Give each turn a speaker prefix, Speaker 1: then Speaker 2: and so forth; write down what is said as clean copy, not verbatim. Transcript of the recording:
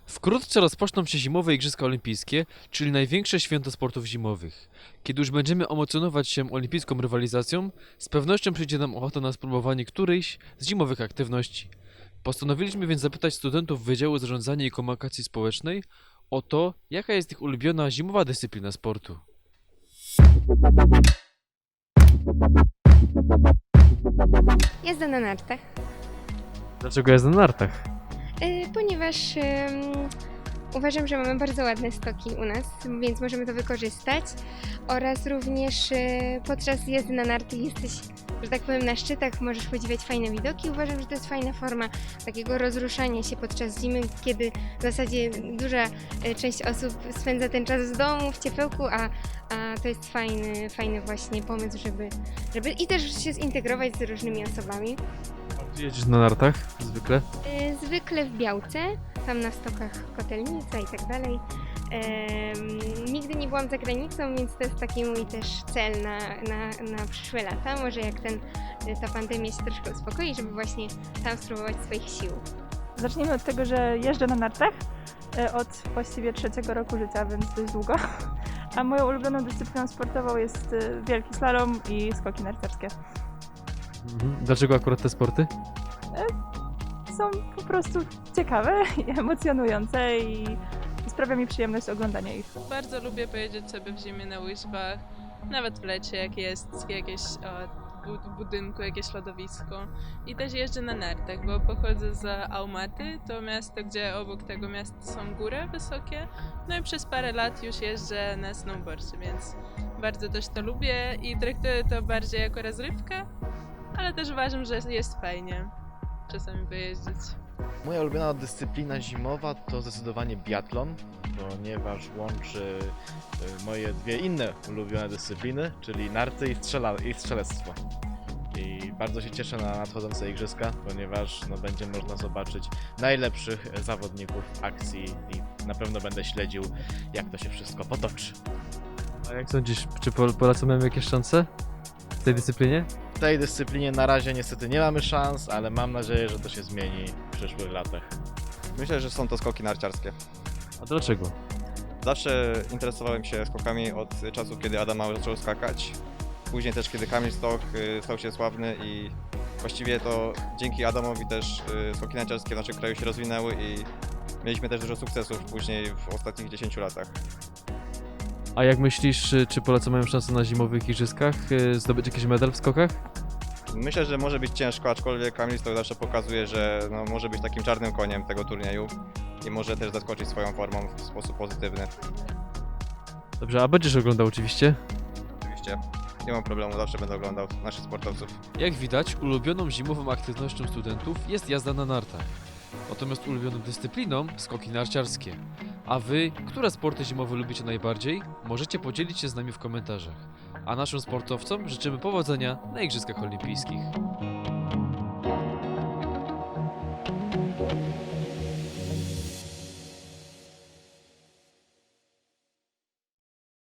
Speaker 1: Wkrótce rozpoczną się zimowe Igrzyska Olimpijskie, czyli największe święto sportów zimowych. Kiedy już będziemy emocjonować się olimpijską rywalizacją, z pewnością przyjdzie nam ochota na spróbowanie którejś z zimowych aktywności. Postanowiliśmy więc zapytać studentów Wydziału Zarządzania i Komunikacji Społecznej o to, jaka jest ich ulubiona zimowa dyscyplina sportu.
Speaker 2: Jazda na nartach,
Speaker 1: Dlaczego jazda na nartach?
Speaker 2: ponieważ uważam, że mamy bardzo ładne stoki u nas, więc możemy to wykorzystać. Oraz również podczas jazdy na narty jesteś, że tak powiem, na szczytach, możesz podziwiać fajne widoki. Uważam, że to jest fajna forma takiego rozruszania się podczas zimy, kiedy w zasadzie duża część osób spędza ten czas w domu, w ciepełku, a to jest fajny właśnie pomysł, żeby i też się zintegrować z różnymi osobami.
Speaker 1: A gdzie jedziesz na nartach zwykle?
Speaker 2: Zwykle w Białce, tam na stokach Kotelnica i tak dalej. Nigdy nie byłam za granicą, więc to jest taki mój też cel na przyszłe lata. Może jak ta pandemia się troszkę uspokoi, żeby właśnie tam spróbować swoich sił.
Speaker 3: Zacznijmy od tego, że jeżdżę na nartach od właściwie 3. roku życia, więc dość długo. A moją ulubioną dyscypliną sportową jest wielki slalom i skoki narciarskie.
Speaker 1: Dlaczego akurat te sporty?
Speaker 3: Są po prostu ciekawe i emocjonujące i sprawia mi przyjemność oglądania ich.
Speaker 4: Bardzo lubię pojeździć sobie w zimie na łyżwach, nawet w lecie, jak jest jakieś w budynku, jakieś lodowisko. I też jeżdżę na nartach, bo pochodzę z Aumaty, to miasto, gdzie obok tego miasta są góry wysokie. No i przez parę lat już jeżdżę na snowboardzie, więc bardzo też to lubię i traktuję to bardziej jako rozrywkę, ale też uważam, że jest fajnie czasami pojeździć.
Speaker 5: Moja ulubiona dyscyplina zimowa to zdecydowanie biatlon, ponieważ łączy moje dwie inne ulubione dyscypliny, czyli narty i strzelectwo. I bardzo się cieszę na nadchodzące igrzyska, ponieważ będzie można zobaczyć najlepszych zawodników w akcji i na pewno będę śledził, jak to się wszystko potoczy.
Speaker 1: A jak sądzisz, czy Polacy mają jakieś szanse w tej dyscyplinie?
Speaker 5: W tej dyscyplinie na razie niestety nie mamy szans, ale mam nadzieję, że to się zmieni w przyszłych latach.
Speaker 6: Myślę, że są to skoki narciarskie.
Speaker 1: A dlaczego?
Speaker 6: Zawsze interesowałem się skokami od czasu, kiedy Adam Mały zaczął skakać. Później też, kiedy Kamil Stoch stał się sławny i właściwie to dzięki Adamowi też skoki narciarskie w naszym kraju się rozwinęły i mieliśmy też dużo sukcesów później w ostatnich 10 latach.
Speaker 1: A jak myślisz, czy Polacy mają szansę na zimowych igrzyskach zdobyć jakiś medal w skokach?
Speaker 6: Myślę, że może być ciężko, aczkolwiek Kamil Stoch zawsze pokazuje, że może być takim czarnym koniem tego turnieju i może też zaskoczyć swoją formą w sposób pozytywny.
Speaker 1: Dobrze, a będziesz oglądał oczywiście?
Speaker 6: Oczywiście nie mam problemu, zawsze będę oglądał naszych sportowców.
Speaker 1: Jak widać, ulubioną zimową aktywnością studentów jest jazda na nartach. Natomiast ulubioną dyscypliną skoki narciarskie. A wy, które sporty zimowe lubicie najbardziej? Możecie podzielić się z nami w komentarzach. A naszym sportowcom życzymy powodzenia na Igrzyskach Olimpijskich.